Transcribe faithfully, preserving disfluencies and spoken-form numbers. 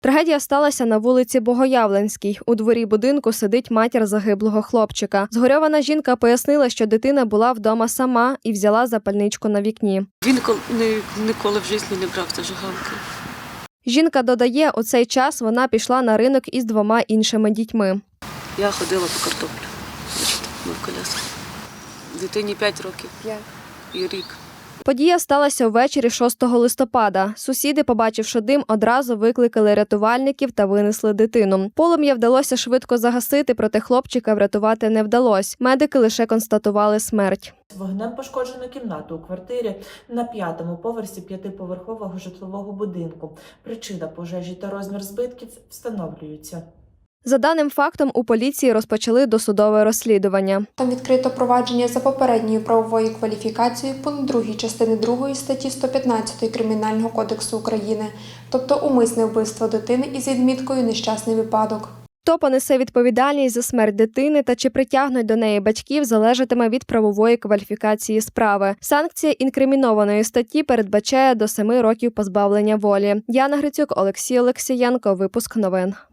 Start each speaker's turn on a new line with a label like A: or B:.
A: Трагедія сталася на вулиці Богоявленській. У дворі будинку сидить матір загиблого хлопчика. Згорьована жінка пояснила, що дитина була вдома сама і взяла запальничку на вікні.
B: Він ніколи в житті не брав зажигалки.
A: Жінка додає, у цей час вона пішла на ринок із двома іншими дітьми.
B: Я ходила по картоплю. Ми в коляску. Дитині п'ять років. П'ять. І рік.
A: Подія сталася ввечері шостого листопада. Сусіди, побачивши дим, одразу викликали рятувальників та винесли дитину. Полум'я вдалося швидко загасити, проте хлопчика врятувати не вдалося. Медики лише констатували смерть.
C: Вогнем пошкоджено кімнату у квартирі на п'ятому поверсі п'ятиповерхового житлового будинку. Причина пожежі та розмір збитків встановлюються.
A: За даним фактом, у поліції розпочали досудове розслідування.
D: Там відкрито провадження за попередньою правовою кваліфікацією пункт другий частини другої статті сто п'ятнадцять Кримінального кодексу України, тобто умисне вбивство дитини із відміткою «нещасний випадок».
A: Хто понесе відповідальність за смерть дитини та чи притягнуть до неї батьків, залежатиме від правової кваліфікації справи. Санкція інкримінованої статті передбачає до семи років позбавлення волі. Яна Грицюк, Олексій Олексієнко. Випуск новин.